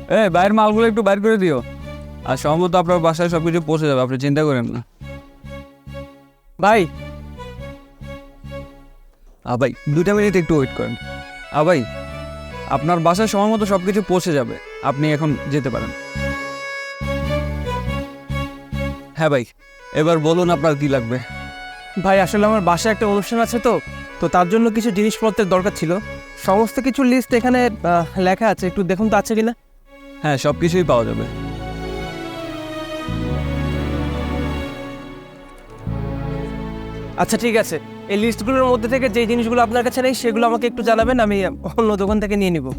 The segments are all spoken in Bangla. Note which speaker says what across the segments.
Speaker 1: বাইরের মালগুলো একটু বাইর করে দিও। আর সম্ভবত আপনার বাসায় সব কিছু পৌঁছে যাবে, আপনি চিন্তা করেন না।
Speaker 2: ভাই
Speaker 1: ভাই 2টা মিনিট একটু ওয়েট করেন। ভাই আপনার বাসায় সময় মতো সব কিছু পৌঁছে যাবে, আপনি এখন যেতে পারেন। হ্যাঁ ভাই, এবার বলুন আপনার কি লাগবে।
Speaker 2: ভাই আসলে আমার বাসায় একটা অনুষ্ঠান আছে, তো তো তার জন্য কিছু জিনিসপত্রের দরকার ছিল। সমস্ত কিছু লিস্ট এখানে লেখা আছে, একটু দেখুন তো আছে কিনা।
Speaker 1: হ্যাঁ, সব কিছুই পাওয়া যাবে।
Speaker 2: আচ্ছা ঠিক আছে, এই লিস্টগুলোর মধ্যে থেকে যে জিনিসগুলো আপনার কাছে নেই সেগুলো আমাকে একটু জানাবেন, আমি অন্য দোকান থেকে নিয়ে নিব।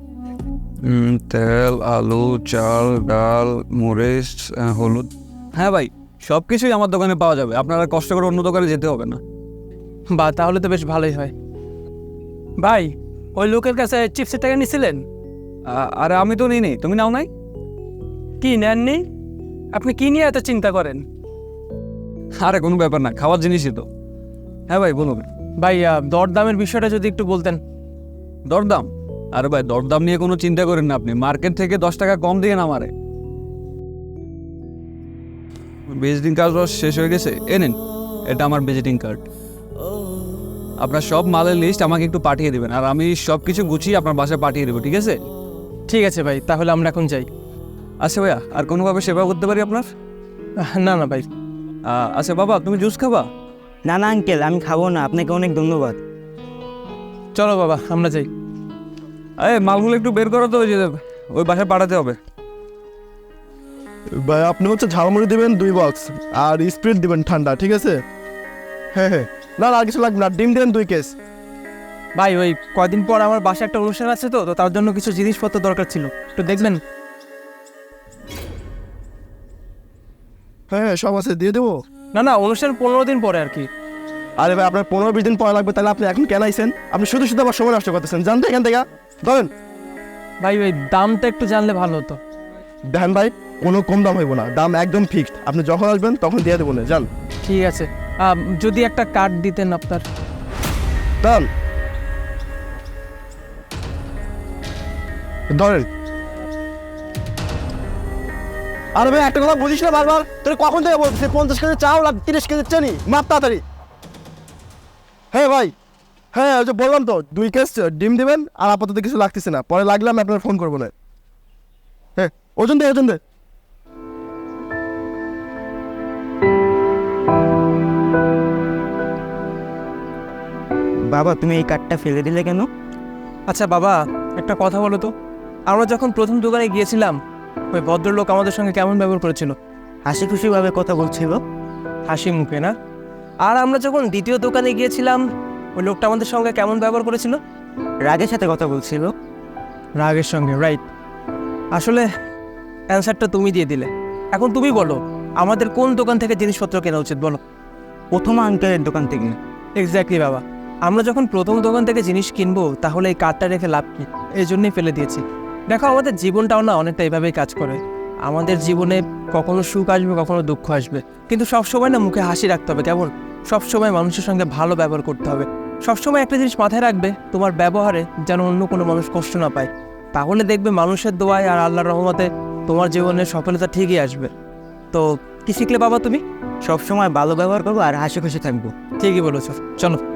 Speaker 1: তেল, আলু, চাল, ডাল, মরিচ, হলুদ। হ্যাঁ ভাই, সব কিছুই আমার দোকানে পাওয়া যাবে, আপনারা কষ্ট করে অন্য দোকানে যেতে হবে না।
Speaker 2: বা তাহলে তো বেশ ভালোই হয়। ভাই ওই লোকের কাছে চিপসের টাকা নিছিলেন?
Speaker 1: আরে আমি তো নিই নি, তুমি নাও নাই?
Speaker 2: কি নেননি? আপনি কি নিয়ে এত চিন্তা করেন?
Speaker 1: আরে কোনো ব্যাপার না, খাওয়ার জিনিসই তো। হ্যাঁ ভাই বলুন।
Speaker 2: ভাই দরদামের বিষয়টা যদি একটু বলতেন।
Speaker 1: দরদাম? আরে ভাই দরদাম নিয়ে কোনো চিন্তা করেন না, আপনি মার্কেট থেকে 10 টাকা কম দিয়ে না আমারে। ভিজিটিং কার্ড শেষ হয়ে গেছে, এ নিন, এটা আমার ভিজিটিং কার্ড। আপনার সব মালের লিস্ট আমাকে একটু পাঠিয়ে দেবেন, আর আমি সব কিছু গুছিয়ে আপনার বাসায় পাঠিয়ে দেবো, ঠিক আছে?
Speaker 2: ঠিক আছে ভাই, তাহলে আমরা এখন যাই।
Speaker 1: আচ্ছা ভাইয়া, আর কোনোভাবে সেবা করতে পারি আপনার?
Speaker 2: না না ভাই।
Speaker 1: আচ্ছা বাবা, তুমি জুস খাবা?
Speaker 3: না না আঙ্কেল, আমি খাবো না, আপনাকে অনেক ধন্যবাদ।
Speaker 2: চলো বাবা আমরা যাই।
Speaker 1: মালগুলো একটু বের করো তো, ওই বাসায় পাঠাতে হবে।
Speaker 4: ভাই আপনি হচ্ছে ঝালমুড়ি দিবেন 2 বক্স, আর স্প্রিট দিবেন ঠান্ডা, ঠিক আছে? হ্যাঁ হ্যাঁ, না না আর কিছু লাগবে না, ডিম দিবেন 2 কেস।
Speaker 2: ভাই ওই কয়দিন পর আমার বাসায় একটা অনুষ্ঠান আছে, তো তো তার জন্য কিছু জিনিসপত্র দরকার ছিল, একটু দেখবেন।
Speaker 4: হ্যাঁ হ্যাঁ সব আছে, দিয়ে দেবো।
Speaker 2: না না, অনুষ্ঠান 15 দিন পরে আর কি।
Speaker 4: আরে ভাই আপনার 15-20 দিন পরে লাগবে, তাহলে আপনি এখন কেন আইছেন? আপনি শুধু শুধু আবার সময় নষ্ট করতেছেন, জানতে এখান থেকে ধরেন।
Speaker 2: ভাই ওই দামটা একটু জানলে ভালো হতো।
Speaker 4: দেখেন ভাই, কোনো কম দাম হইব না, দাম একদম ফিক্সড, আপনি যখন আসবেন তখন দিয়ে দেবো না, যান।
Speaker 2: ঠিক আছে, যদি একটা কার্ড দিতেন আপনার।
Speaker 4: দাম ধরেন। আরে ভাই একটা কথা বুঝিস না বারবার, তোর কখন থেকে বলতেছে 50 কেজি চাউল আর 30 কেজি চিনি, মাপ তাড়াতাড়ি। হ্যাঁ ভাই, হ্যাঁ ওই যে বললাম তো 2 কেস ডিম দিবেন, আর আপাতত কিছু লাগতেছে না, পরে লাগলে আমি আপনার ফোন করবো না। হ্যাঁ ওজন দে, ওজন দে।
Speaker 3: বাবা তুমি এই কার্ডটা ফেলে দিলে কেন?
Speaker 2: আচ্ছা বাবা, একটা কথা বলো তো, আমরা যখন প্রথম দোকানে গিয়েছিলাম ওই ভদ্রলোক আমাদের সঙ্গে কেমন ব্যবহার করেছিল?
Speaker 3: হাসি খুশিভাবে কথা বলছিল।
Speaker 2: হাসি মুখে না? আর আমরা যখন দ্বিতীয় দোকানে গিয়েছিলাম ওই লোকটা আমাদের সঙ্গে কেমন ব্যবহার করেছিল?
Speaker 3: রাগের সাথে কথা বলছিল।
Speaker 2: রাগের সঙ্গে, রাইট। আসলে অ্যান্সারটা তুমি দিয়ে দিলে। এখন তুমি বলো, আমাদের কোন দোকান থেকে জিনিসপত্র কেনা উচিত বলো?
Speaker 3: প্রথম আঙ্কেলের দোকান থেকে।
Speaker 2: এক্স্যাক্টলি বাবা, আমরা যখন প্রথম দোকান থেকে জিনিস কিনবো তাহলে এই কার্ডটা রেখে লাভ কি? এই জন্যই ফেলে দিয়েছি। দেখো আমাদের জীবনটাও না অনেকটা এইভাবেই কাজ করে। আমাদের জীবনে কখনো সুখ আসবে, কখনো দুঃখ আসবে, কিন্তু সবসময় না মুখে হাসি রাখতে হবে, কেমন? সবসময় মানুষের সঙ্গে ভালো ব্যবহার করতে হবে। সবসময় একটা জিনিস মাথায় রাখবে, তোমার ব্যবহারে যেন অন্য কোনো মানুষ কষ্ট না পায়। তাহলে দেখবে মানুষের দোয়ায় আর আল্লাহর রহমতে তোমার জীবনে সফলতা ঠিকই আসবে। তো কি শিখলে বাবা তুমি?
Speaker 3: সবসময় ভালো ব্যবহার করবো আর হাসি খুশি থাকবো।
Speaker 2: ঠিকই বলেছো, চলো।